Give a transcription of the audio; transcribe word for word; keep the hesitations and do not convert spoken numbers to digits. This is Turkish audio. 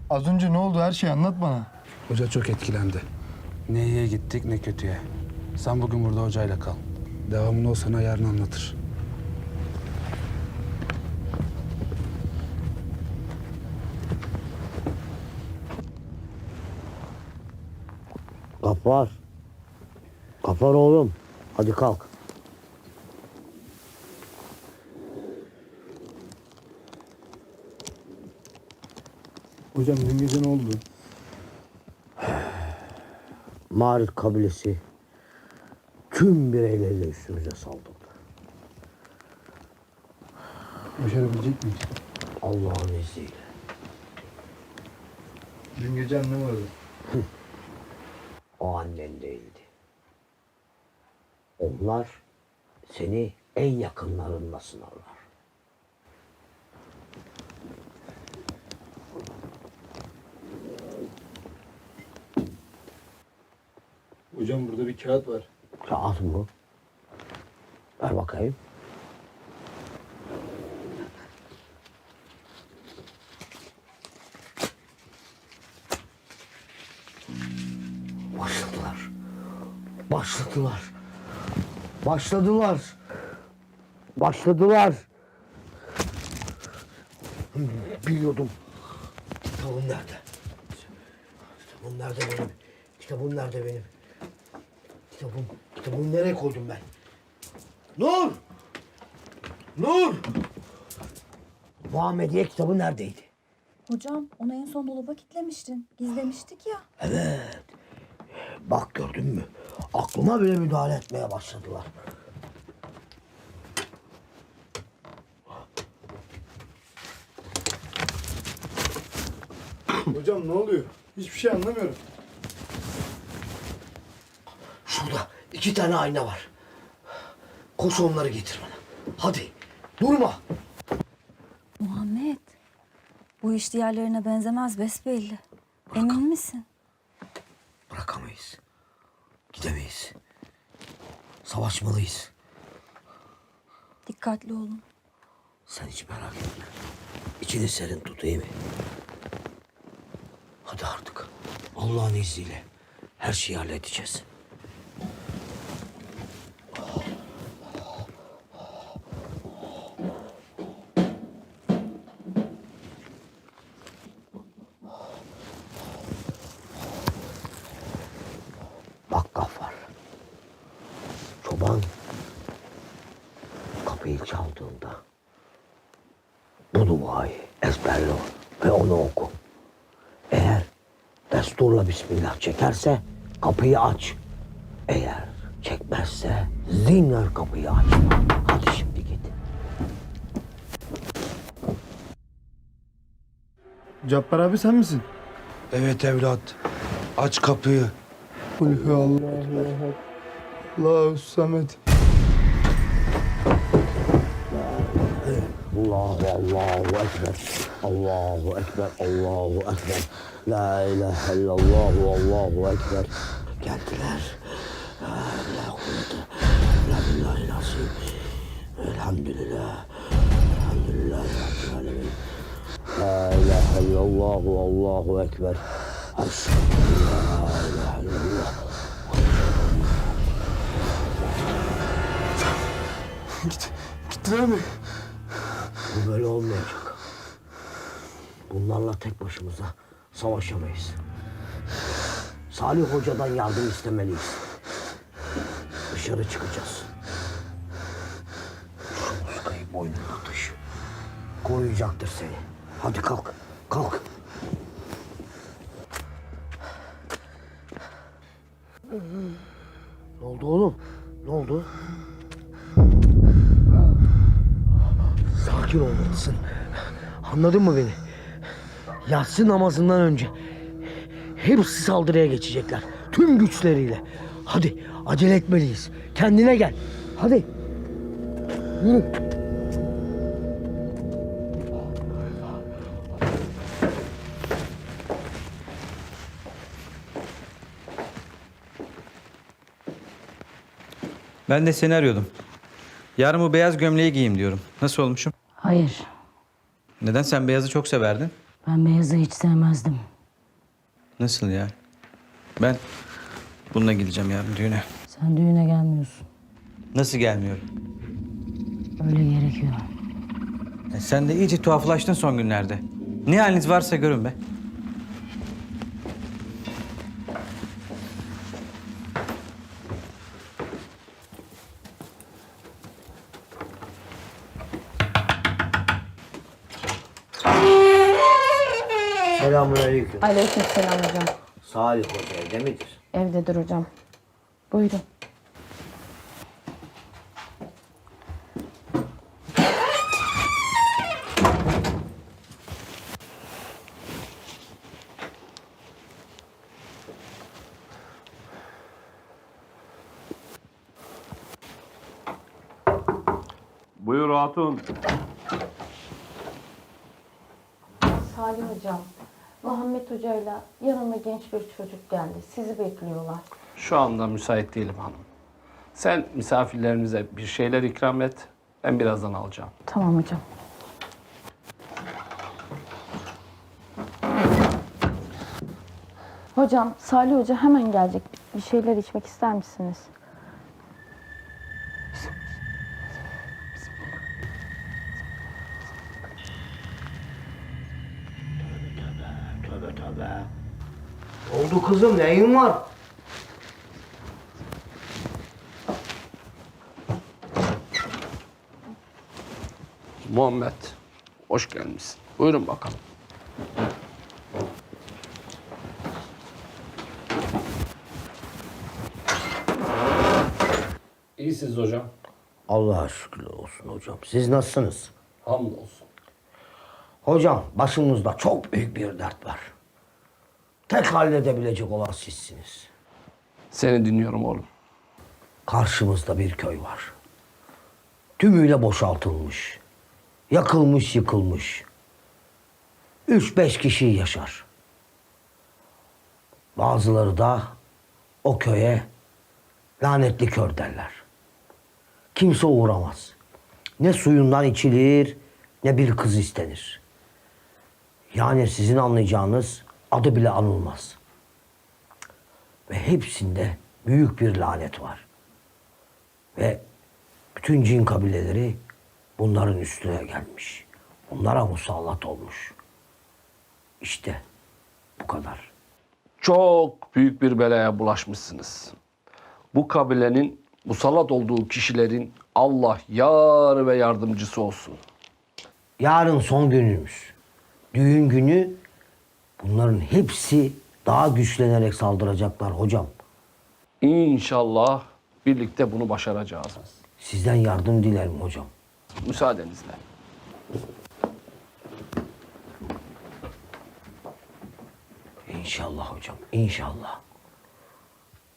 Az önce ne oldu? Her şeyi anlat bana. Hoca çok etkilendi. Ne iyiye gittik ne kötüye. Sen bugün burada hocayla kal. Devamını o sana yarın anlatır. Gafar. Gafar oğlum. Hadi kalk. Hocam dün gece ne oldu? Mağrib kabilesi tüm bireyleriyle üstümüze saldırdı. Başarabilecek miyiz? Allah'ın izniyle. Dün gece annem aradı. O annen değildi. Onlar seni en yakınlarında sınarlar. Hocam burada bir kağıt var. Kağıt mı? Ver bakayım. Başladılar. Başladılar. Başladılar. Başladılar. Biliyordum. Kitabım nerede? Kitabım nerede benim? Kitabım nerede benim? Kitabım, kitabımı nereye koydum ben? Nur! Nur! Muhammediye kitabı neredeydi? Hocam onu en son dolaba kilitlemiştin. Gizlemiştik ya. Evet. Bak gördün mü? Aklıma bile müdahale etmeye başladılar. Hocam ne oluyor? Hiçbir şey anlamıyorum. Şurada iki tane ayna var. Koş onları getir bana. Hadi. Durma. Muhammed, bu iş diğerlerine benzemez besbelli. Emin misin? Bırakamayız. Gidemeyiz. Savaşmalıyız. Dikkatli olun. Sen hiç merak etme. İçini serin tut, iyi mi? Hadi artık. Allah'ın izniyle her şeyi halledeceğiz. Bak Gaffar. Çoban kapıyı çaldığında bu duayı ezberle ve onu oku. Eğer desturla Bismillah çekerse kapıyı aç. Eğer çekmezse zinhar kapıyı aç. Hadi şimdi git. Cabbar abi sen misin? Evet evlat. Aç kapıyı. Kulhü Allahu ehad. Allahu samet. Allahu Allahu Ekber. Allahu Ekber. Allahu Ekber. La ilahe illallah. Allahu Ekber. Geldiler. La kuvvete. La billahi nasip. Elhamdülillah. Elhamdülillah. Rabbil alemin. La ilahe illallah. Allahu Ekber. Eşhedü en la ilahe illallah. Git. Gittiler mi? Bu böyle olmayacak. Bunlarla tek başımıza savaşamayız. Salih Hoca'dan yardım istemeliyiz. Dışarı çıkacağız. Şu muskayı boynuna taşı. Koruyacaktır seni. Hadi kalk, kalk. Ne oldu oğlum? Ne oldu? Sakin olmalısın. Anladın mı beni? Yatsı namazından önce hepsi saldırıya geçecekler. Tüm güçleriyle. Hadi acele etmeliyiz. Kendine gel. Hadi. Yürü. Ben de seni arıyordum. Yarın bu beyaz gömleği giyeyim diyorum. Nasıl olmuşum? Hayır. Neden? Sen beyazı çok severdin. Ben Beyaz'ı hiç sevmezdim. Nasıl ya? Ben bununla gideceğim yarın düğüne. Sen düğüne gelmiyorsun. Nasıl gelmiyorum? Öyle gerekiyor. Ya sen de iyice tuhaflaştın son günlerde. Ne haliniz varsa görün be. Selamünaleyküm. Aleykümselam hocam. Salih Hoca evde midir? Evdedir hocam. Buyurun. Buyur hatun. Salih hocam, Muhammed hocayla yanına genç bir çocuk geldi. Sizi bekliyorlar. Şu anda müsait değilim hanım. Sen misafirlerimize bir şeyler ikram et. Ben birazdan alacağım. Tamam hocam. Hocam, Salih Hoca hemen gelecek. Bir şeyler içmek ister misiniz? Tövbe tövbe. Oldu kızım, neyin var? Muhammed, hoş gelmişsin. Buyurun bakalım. İyisiniz hocam. Allah'a şükürler olsun hocam. Siz nasılsınız? Hamdolsun. Hocam, başımızda çok büyük bir dert var. Tek halledebilecek olan sizsiniz. Seni dinliyorum oğlum. Karşımızda bir köy var. Tümüyle boşaltılmış. Yakılmış, yıkılmış. Üç beş kişi yaşar. Bazıları da o köye lanetli kör derler. Kimse uğramaz. Ne suyundan içilir, ne bir kız istenir. Yani sizin anlayacağınız adı bile anılmaz. Ve hepsinde büyük bir lanet var. Ve bütün cin kabileleri bunların üstüne gelmiş. Onlara musallat olmuş. İşte bu kadar. Çok büyük bir belaya bulaşmışsınız. Bu kabilenin musallat olduğu kişilerin Allah yar ve yardımcısı olsun. Yarın son günümüz. Düğün günü bunların hepsi daha güçlenerek saldıracaklar hocam. İnşallah birlikte bunu başaracağız. Sizden yardım dilerim hocam. Müsaadenizle. İnşallah hocam, inşallah.